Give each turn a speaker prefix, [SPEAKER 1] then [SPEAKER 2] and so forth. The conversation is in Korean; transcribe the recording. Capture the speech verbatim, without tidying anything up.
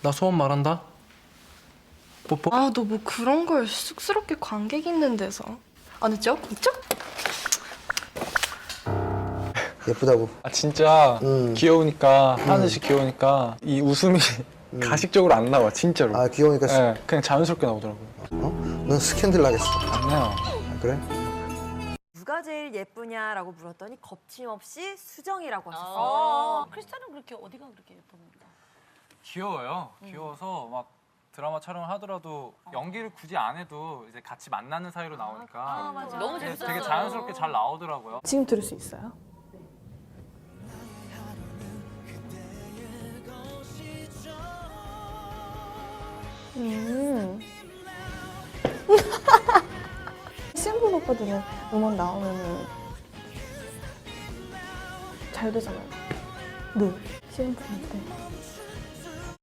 [SPEAKER 1] 나 소원 말한다. 뽀뽀.
[SPEAKER 2] 아, 너 뭐 그런 걸 쑥스럽게 관객 있는 데서. 안 했죠? 있죠?
[SPEAKER 3] 예쁘다고.
[SPEAKER 1] 아 진짜
[SPEAKER 3] 음.
[SPEAKER 1] 귀여우니까 하늘 씨 귀여우니까 이 웃음이 가식적으로 안 나와 진짜로.
[SPEAKER 3] 아 귀여우니까 스-
[SPEAKER 1] 네, 그냥 자연스럽게 나오더라고요.
[SPEAKER 3] 어? 넌 스캔들 나겠어.
[SPEAKER 1] 아니요.
[SPEAKER 3] 아, 그래?
[SPEAKER 4] 누가 제일 예쁘냐라고 물었더니 겁침없이 수정이라고 하셨어요.
[SPEAKER 5] 어, 크리스탈은 그렇게 어디가 그렇게 예쁩니까?
[SPEAKER 6] 귀여워요. 귀여워서 막 드라마 촬영을 하더라도 연기를 굳이 안 해도 이제 같이 만나는 사이로 나오니까
[SPEAKER 5] 아, 맞아. 너무
[SPEAKER 6] 되게,
[SPEAKER 5] 재밌었어요.
[SPEAKER 6] 되게 자연스럽게 잘 나오더라고요.
[SPEAKER 2] 지금 들을 수 있어요? 음. 신분 오빠들은 음원 나오면은 잘 되잖아요. 네. 씨엠 때